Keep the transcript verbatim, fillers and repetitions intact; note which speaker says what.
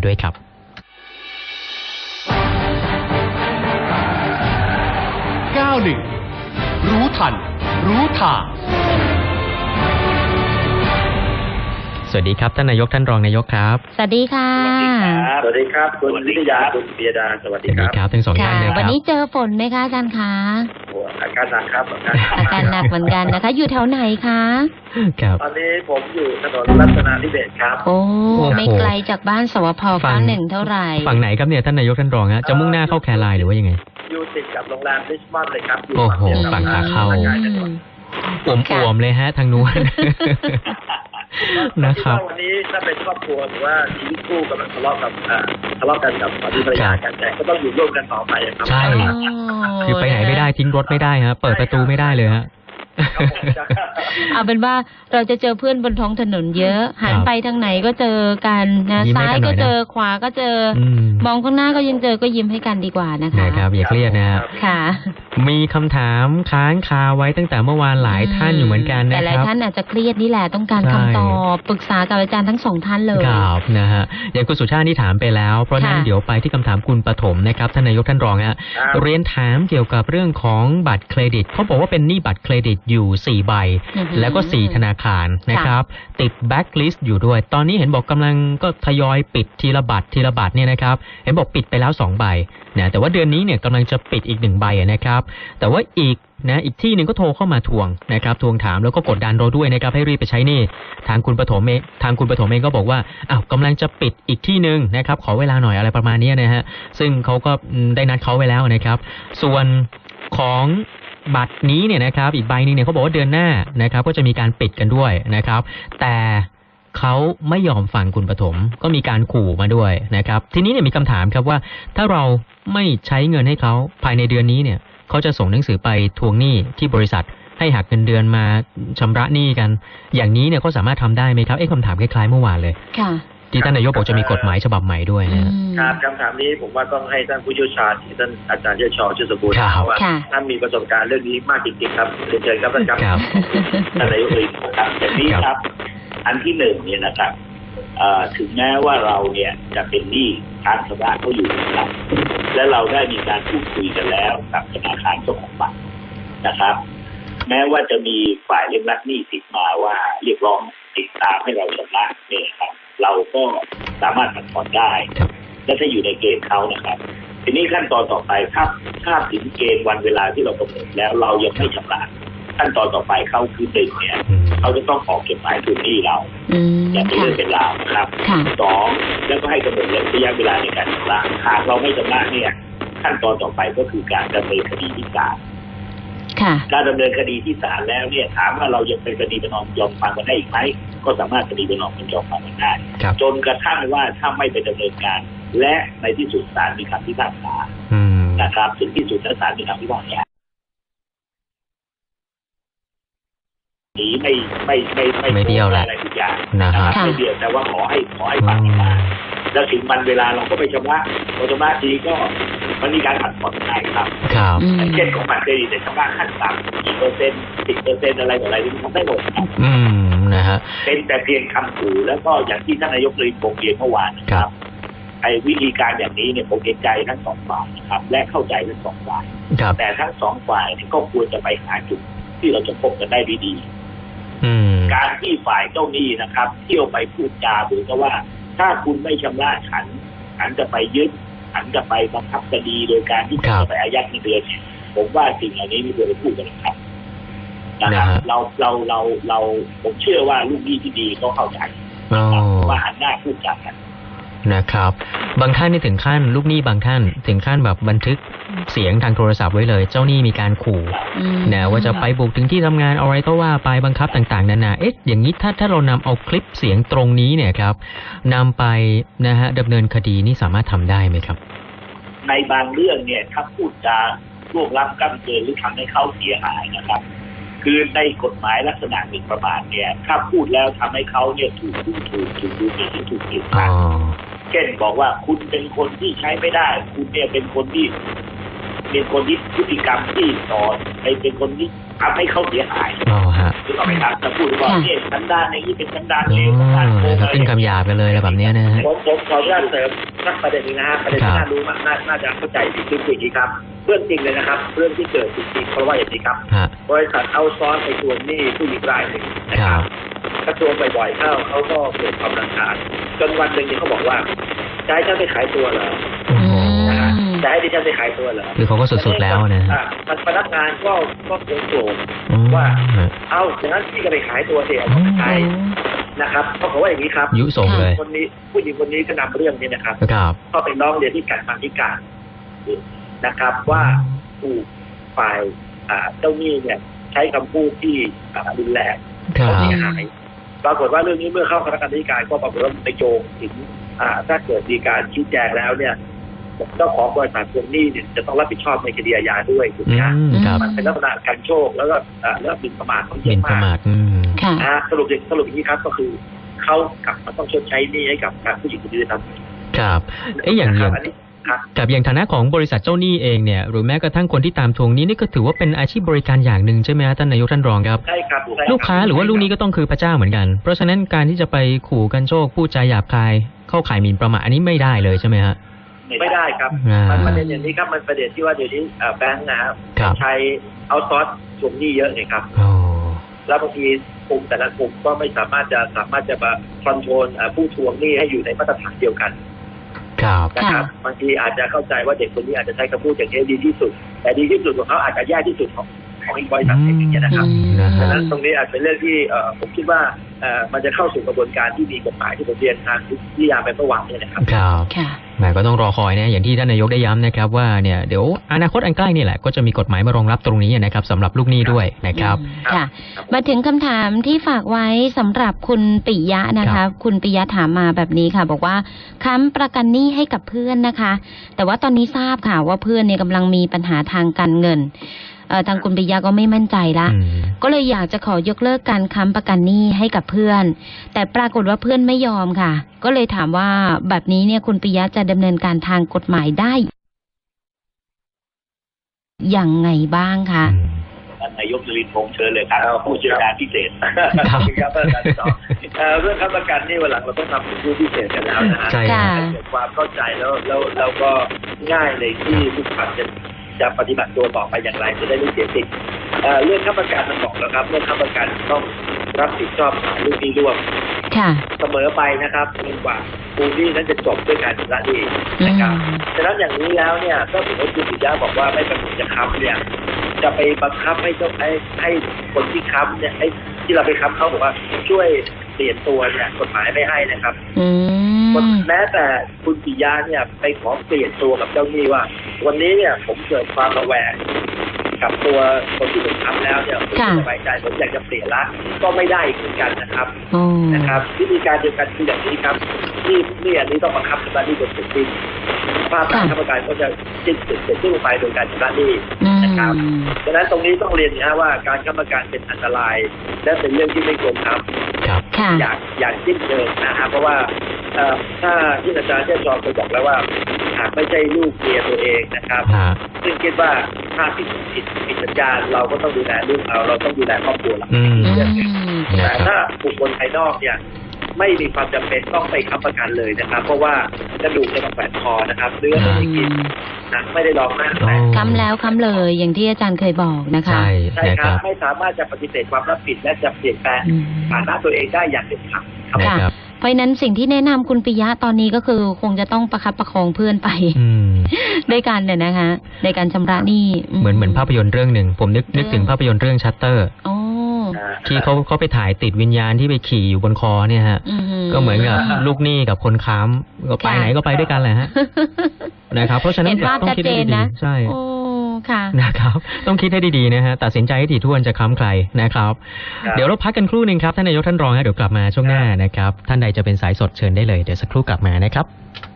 Speaker 1: ด้วยครับ
Speaker 2: เก้าหนึ่งรู้ทันรู้ทาง
Speaker 1: สวัสดีครับท่านนายกท่านรองนายกครับ
Speaker 3: สวัสดีค่ะ
Speaker 4: สวัสดีครับคุณวิทยาคุณเบียดาสวัสดีครับ
Speaker 1: สวัสดีครับทั้งสองท่านเลยครับ
Speaker 3: วันนี้เจอฝนไหมคะอาจารย์คะ
Speaker 4: อาการหนักครับ
Speaker 3: อาการหนักเหมือนกันนะคะอยู่แถวไหนคะ
Speaker 1: ครับ
Speaker 4: ตอนนี้ผมอยู่ถนนรัตนาธิเบศครับ
Speaker 3: โอ้ไม่ไกลจากบ้านสวพเก้าหนึ่งเท่าไหร่
Speaker 1: ฝั่งไหนครับเนี่ยท่านนายกท่านรองฮะจะมุ่งหน้าเข้าแคไลน์หรือว่ายังไง
Speaker 4: อยู่ติดกับโรงแรมริชมอนด์เลยครับ
Speaker 1: โอ้โหฝั่งขาเข้าอ่วมๆเลยฮะทางนู้นนะครับ
Speaker 4: วันนี้ถ้าเป็นครอบครัวหรือว่าชีวิตคู่กำลังทะเลาะกับทะเลาะกันกับสามีภรรยากันแต่ก็ต้องอยู่ร่วมกันต่อไปครับ
Speaker 1: ใช่คือไปไหนไม่ได้ทิ้งรถไม่ได้ฮะเปิดประตูไม่ได้เลยฮะ
Speaker 3: เอาเป็นว่าเราจะเจอเพื่อนบนท้องถนนเยอะหันไปทางไหนก็เจอกันนะซ้ายก็เจอขวาก็เจอมองข้างหน้าก็ยังเจอก็ยิ้มให้กันดีกว่านะคะ
Speaker 1: นะครับอย่าเครียดนะ
Speaker 3: ค่ะ
Speaker 1: มีคำถามค้างคาไว้ตั้งแต่เมื่อวานหลายท่านอยู่เหมือนกันนะครับแต่หลาย
Speaker 3: ท่านอาจจะเครียดนี่แหละต้องการคำตอบปรึกษากับอาจารย์ทั้งสองท่านเลย
Speaker 1: ครับนะฮะอย่างคุณสุชาติที่ถามไปแล้วเพราะนั้นเดี๋ยวไปที่คำถามคุณปฐมนะครับท่านนายกท่านรองฮะเรียนถามเกี่ยวกับเรื่องของบัตรเครดิตเขาบอกว่าเป็นหนี้บัตรเครดิตอยู่สี่ใบแล้วก็สี่ธนาคารนะครับติดแบ็คลิสต์อยู่ด้วยตอนนี้เห็นบอกกำลังก็ทยอยปิดทีละบัตรทีละบัตรเนี่ยนะครับเห็นบอกปิดไปแล้วสองใบนะแต่ว่าเดือนนี้เนี่ยกำลังจะปิดอีกหนึ่งใบนะครับแต่ว่าอีกนะอีกที่หนึ่งก็โทรเข้ามาทวงนะครับทวงถามแล้วก็กดดันเราด้วยนะครับให้รีบไปใช้หนี้ทางคุณปฐมเองทางคุณปฐมเองก็บอกว่าอ้าวกำลังจะปิดอีกที่หนึ่งนะครับขอเวลาหน่อยอะไรประมาณนี้นะฮะซึ่งเขาก็ได้นัดเขาไว้แล้วนะครับส่วนของบัตรนี้เนี่ยนะครับอีกใบนึงเนี่ยเขาบอกว่าเดือนหน้านะครับก็จะมีการปิดกันด้วยนะครับแต่เขาไม่ยอมฟังคุณปฐมก็มีการขู่มาด้วยนะครับทีนี้เนี่ยมีคำถามครับว่าถ้าเราไม่ใช้เงินให้เขาภายในเดือนนี้เนี่ยเขาจะส่งหนังสือไปทวงหนี้ที่บริษัทให้หักเงินเดือนมาชำระหนี้กันอย่างนี้เนี่ยเขาสามารถทำได้ไหมครับเอ๊ะคำถามคล้ายๆเมื่อวานเลย
Speaker 3: ค่ะ
Speaker 1: ที่ท่านนายกบอกจะมีกฎหมายฉบับใหม่ด้วย
Speaker 4: นะครับคำถามนี้ผมว่าต้องให้ท่านผู้เชี่ยวชาญที่ท่านอาจารย์เชี่ยวชาญชื่อสมบูรณ์ว่าท่านมีประสบการณ์เรื่องนี้มากจริงๆครับเรียนเชิญครับท่านครับท่านนายกเองครับอย่างนี้ครับอันที่หนึ่งเนี่ยนะครับถึงแม้ว่าเราเนี่ยจะเป็นหนี้ค้างชำระเขาอยู่นะครับและเราได้มีการพูดคุยกันแล้วกับธนาคารเจ้าของบัตรนะครับแม้ว่าจะมีฝ่ายเรียกรับหนี้ติดมาว่าเรียกร้องติดตามให้เราชำระเนี่ยครับเราก็สามารถผ่อนผ่อนได้และถ้าอยู่ในเกณฑ์เขานะครับทีนี้ขั้นตอนต่อไปถ้าถ้าถึงเกณฑ์วันเวลาที่เรากำหนดแล้วเรายังไม่ชำระขั้นตอนต่อไปเขาคือหนึ่งเนี่ยเขาจะต้องออกจดหมายทวงหนี้เราอย่างเป็นเรื่องเป็นราวนะครับสองแล้วก็ให้กำหนดระยะเวลาในการชำระหากเราไม่ชำระเนี่ยขั้นตอนต่อไปก็คือการดำเนินคดีที่ศาลการดำเนินคดีที่ศาลแล้วเนี่ยถามว่าเรายังเป็นคดีประนอมยอมความกันได้อีกไหมก็สามารถคดีประนอมยอมความกันได้จนกระทั่งว่าถ้าไม่ไปดำเนินการและในที่สุดศาลมีคำพิพากษานะครับถึงที่สุดแล้วศาลมีคำพิพากษาหนีไม่ไม่ไม่ไม่
Speaker 1: ไม่เบี้ยวแหละ
Speaker 4: อะไรทุกอย่าง
Speaker 1: นะครับ
Speaker 4: ไม่เบี้ยวแต่ว่าขอให้ขอให้ฟังมาแล้วถึงวันเวลาเราก็ไปชำระพอชำระทีก็มันมีการผัดผ่อนได้ครับ
Speaker 1: ครับ
Speaker 4: เช่นของบัตรเครดิตแต่ชำระขั้นต่ำกี่เปอร์เซ็นต์สิบเปอร์เซ็นต์อะไรต่ออะไรที่ทำได้หมด
Speaker 1: อืมนะฮะ
Speaker 4: เป็นแต่เพียงคำขู่แล้วก็อย่างที่ท่านนายกเลยบอกเรียนเมื่อวานนะครับไอ้วิธีการอย่างนี้เนี่ยผมเห็นใจทั้งสองฝ่ายนะครับและเข้าใจทั้งสองฝ่ายแต่ทั้งสองฝ่ายนี่ก็ควรจะไปหาจุดที่เราจะพบกันได้ดีๆการที่ฝ่ายเจ้าหนี้นะครับเที่ยวไปพูดจาหรือก็ว่าถ้าคุณไม่ชำระฉันฉันจะไปยึดฉันจะไปบังคับคดีโดยการที่จะไปอายัดเงินเดือนเนี่ยผมว่าสิ่งเหล่านี้ไม่ควรจะพูดกันนะครับนะครับเราเราเราเราผมเชื่อว่าลูกหนี้ที่ดีก็เข้าใจว่าหันหน้าพูดจากัน
Speaker 1: นะครับบางท่านนี่ถึงขั้นลูกหนี้บางท่านถึงขั้นแบบบันทึกเสียงทางโทรศัพท์ไว้เลยเจ้าหนี้มีการขู่นะว่าจะไปบุกถึงที่ทำงานอะไรก็ว่าไปบังคับต่างๆนานาเอ๊ะอย่างนี้ถ้าถ้าเรานำเอาคลิปเสียงตรงนี้เนี่ยครับนำไปนะฮะดำเนินคดีนี่สามารถทำได้ไหมครับ
Speaker 4: ในบางเรื่องเนี่ยถ้าพูดจาล่วงล้ำก้ำเกินหรือทำให้เขาเสียหายนะครับคือในกฎหมายลักษณะหมิ่นประมาทเนี่ยถ้าพูดแล้วทำให้เขาเนี่ยถูกดูถูกถูกดูหมิ่นถูกกีดกันเช่นบอกว่าคุณเป็นคนที่ใช้ไม่ได้คุณเนี่ยเป็นคนที่เป็นคนที่พฤติกรรมที่สอนเป็นคนที่ทำให้เขาเสียหาย
Speaker 1: อ๋อฮะ
Speaker 4: คือเอาไปครับจะพูดว่าเนี่ยสันดานในนี้เป็นสันดานเลว
Speaker 1: อ๋
Speaker 4: สันดานโก
Speaker 1: อง ขึ้นคำหยาบกันเลยอะไรแบบนี้นะฮะ
Speaker 4: ผมผมขออนุญาตเสริมสักประเด็นนึงนะฮะประเด็นที่น่ารู้มากน่าจะเข้าใจดีคืออย่างนี้ครับเรื่องจริงเลยนะครับเรื่องที่เกิดจริงๆเพราะว่าอย่างนี้ครับบริษัทเอาซ้อนไปทวงหนี้ผู้หญิงรายหนึ่งนะครับกระทรวงบ่อยๆเข้าเขาก็เกิดความรำคาญจนวันหนึ่งเขาบอกว่าจะให้ฉันไปขายตัวเหรอจะให้ดิฉันไปขายตัวเหรอ
Speaker 1: คือเขาก็สุดๆแล้วนะ
Speaker 4: พนักงานก็ก็โกรธโกรธว่าเอาอย่างนั้นพี่ก็ไปขายตัวเสียใช่นะครับเขาบอกว่าอย่างนี้ครับ
Speaker 1: ยุส่งเลย
Speaker 4: คนนี้ผู้หญิงคนนี้ก็นำเรื่องนี้นะครับก็ไปร้องเรียนที่การบัญชีการนะครับว่าถูกฝ่ายเจ้าหนี้เนี่ยใช้คำพูดที่รุนแรงเขาเสียหายปรากฏว่าเรื่องนี้เมื่อเข้าคณะกรรมการก็ปรากฏว่าไปโยงถึงถ้าเกิดมีการชี้แจงแล้วเนี่ยเจ้าของบริษัททวงหนี้เนี่ยจะต้องรับผิดชอบในคดีอาญาด้วยถูกไหมครับมันเป็นลักษณะการโชคแล้วก็แล้วบินประมาทเขาเยอะมากสรุปสรุปอย่างนี้ครับก็คือเขากลับมาต้องชดใช้หนี้ให้กับผู้หญิงคนนี้ครับ
Speaker 1: ครับเอ๊ะอย่างอย่างกับอย่างฐานะของบริษัทเจ้าหนี้เองเนี่ยหรือแม้กระทั่งคนที่ตามทวงหนี้นี่ก็ถือว่าเป็นอาชีพบริการอย่างหนึ่งใช่ไหมท่านนายกท่านรองครับ
Speaker 4: ใช่ครับ
Speaker 1: ลูกค้าหรือว่าลูกหนี้ก็ต้องคือพระเจ้าเหมือนกันเพราะฉะนั้นการที่จะไปขู่กันโชคพูดจาหยาบคายเข้าข่ายหมิ่นประมาทอันนี้ไม่ได้เลยใช่ไหมฮะ
Speaker 4: ไม่ได้ครับมันประเด็นอย่างนี้ครับมันประเด็นที่ว่าเดี๋ยวนี้แบงค์นะครับใช้เอาซอสทวงหนี้เยอะเลยครับแล้วบางทีกลุ่มแต่ละกลุ่มก็ไม่สามารถจะสามารถจะมาคอนโทรลผู้ทวงหนี้ให้อยู่ในมาตรฐานเดียวกันนะครับบางทีอาจจะเข้าใจว่าเด็กคนนี้อาจจะใช้คำพูดอย่างนี้ดีที่สุดแต่ดีที่สุดของเขาอาจจะแย่ที่สุดของของอีกบริษัทอย่างนี้นะครับดังนั้นตรงนี้อาจเป็นเรื่องที่ผมคิดว่ามันจะเข้าสู่กระบวนการที่มีกฎหมายที่ผมเรียนทางวิทยาไปเมื่อวานนี้นะครับ
Speaker 1: ครับแหมก็ต้องรอคอยนะอย่างที่ท่านนายกได้ย้ำนะครับว่าเนี่ยเดี๋ยวอนาคตอันใกล้นี่แหละก็จะมีกฎหมายมารองรับตรงนี้นะครับสำหรับลูกหนี้ด้วยนะครับ
Speaker 3: ค่ะมาถึงคำถามที่ฝากไว้สำหรับคุณปิยะนะคะคุณปิยะถามมาแบบนี้ค่ะบอกว่าค้ำประกันหนี้ให้กับเพื่อนนะคะแต่ว่าตอนนี้ทราบค่ะว่าเพื่อนเนี่ยกำลังมีปัญหาทางการเงินทางคุณปิยะก็ไม่มั่นใจละก็เลยอยากจะขอยกเลิกการค้ำประกันหนี้ให้กับเพื่อนแต่ปรากฏว่าเพื่อนไม่ยอมค่ะก็เลยถามว่าแบบนี้เนี่ยคุณปิยะจะดำเนินการทางกฎหมายได้อย่างไงบ้างคะ
Speaker 4: นายกนรินทร์พงษ์เชิญเลยครับผู้เชี่ยวชาญพิเศษครับเรื่องค้ำประกันนี่วันหลังเราต้องทำเป็นผู้พิเศษกันแล้วนะฮะ
Speaker 1: ใช่
Speaker 4: เกิดความเข้าใจแล้วแล้วแล้วก็ง่ายเลยที่ทุกฝ่ายจะจะปฏิบัติตัวต่อไปอย่างไรจะได้ไม่เสียสิทธิ์เรื่องค้ำประกันมันบอกแล้วครับเรื่องค้ำประกันต้องรับผิดชอบลูกหนี้ร่วมเสมอไปนะครับจนกว่าผู้หนี้นั้นจะจบด้วยการชำระหนี้นะครับฉะนั้นอย่างนี้แล้วเนี่ยก็ถือว่าคุณปิยะบอกว่าไม่ประสงค์จะค้ำเนี่ยจะไปบังคับให้เจ้าให้ให้คนที่ค้ำเนี่ยให้ที่เราไปค้ำเขาบอกว่าช่วยเปลี่ยนตัวเนี่ยกฎหมายไม่ให้นะครับแม้แต่คุณปิยะเนี่ยไปขอเปลี่ยนตัวกับเจ้าหนี้ว่าวันนี้เนี่ยผมเกิดความระแวงกับตัวคนที่ผมทำแล้วเนี่ยผมไม่สบายใจผมอยากจะเปลี่ยนละก็ไม่ได้เหมือนกันนะครับนะครับวิธีการเดียวกันคืออย่างนี้ครับที่นี่อันนี้ต้องบังคับชำระหนี้โดยเสร็จสิ้นภาพการค้ำประกันก็จะสิ้นสุดเสร็จสิ้นไปโดยการชำระหนี้นะครับดังนั้นตรงนี้ต้องเรียนนะว่าการค้ำประกันเป็นอันตรายและเป็นเรื่องที่ไม่ควรทำอย่างอย่างสิ้นเชิงนะครับเพราะว่าถ้าที่อาจารย์เจ้าจอมเคยบอกแล้วว่าหากไม่ใช่ลูกเมียตัวเองนะครับซึ่งคิดว่าถ้าผิดผิดผิดสัญญาเราก็ต้องดูแลลูกเราเราต้องดูแลครอบครัวเราแต่ถ้าบุคคลภายนอกเนี่ยไม่มีความจำเป็นต้องไปค้ำประกันเลยนะครับเพราะว่ากระดูกจะต้องแฝงคอนะครับเนื้อไม่ได้กินหนังไม่ได้ร้องหน้า
Speaker 3: ค้ำแล้วค้ำเลยอย่างที่อาจารย์เคยบอกนะคะ
Speaker 1: ใช่
Speaker 4: ครับไม่สามารถจะปฏิเสธความรับผิดและจะเปลี่ยนแปลงฐานะตัวเองได้อย่างเด็ดขาด
Speaker 3: ครับเพราะนั้นสิ่งที่แนะนำคุณปิยะตอนนี้ก็คือคงจะต้องประคับประคองเพื่อนไปด้วยกันเนี่ยนะคะในการชำระหนี้
Speaker 1: เหมือนเหมือนภาพยนตร์เรื่องหนึ่งผมนึกนึกถึงภาพยนตร์เรื่องชัตเตอร์ที่เขาเขาไปถ่ายติดวิญญาณที่ไปขี่อยู่บนคอเนี่ยฮะก็เหมือนกับลูกหนี้กับคนค้ำก็ไปไหนก็ไปด้วยกันแหละฮะนะครับเพราะฉะนั้นต้องคิดให้ดีใช่นะครับต้องคิดให้ดีๆนะฮะตัดสินใจให้ถี่ถ้วนจะค้ำใครนะครับเดี๋ยวเราพักกันครู่นึงครับท่านนายกท่านรองฮะเดี๋ยวกลับมาช่วงหน้านะครับท่านใดจะเป็นสายสดเชิญได้เลยเดี๋ยวสักครู่กลับมานะครับ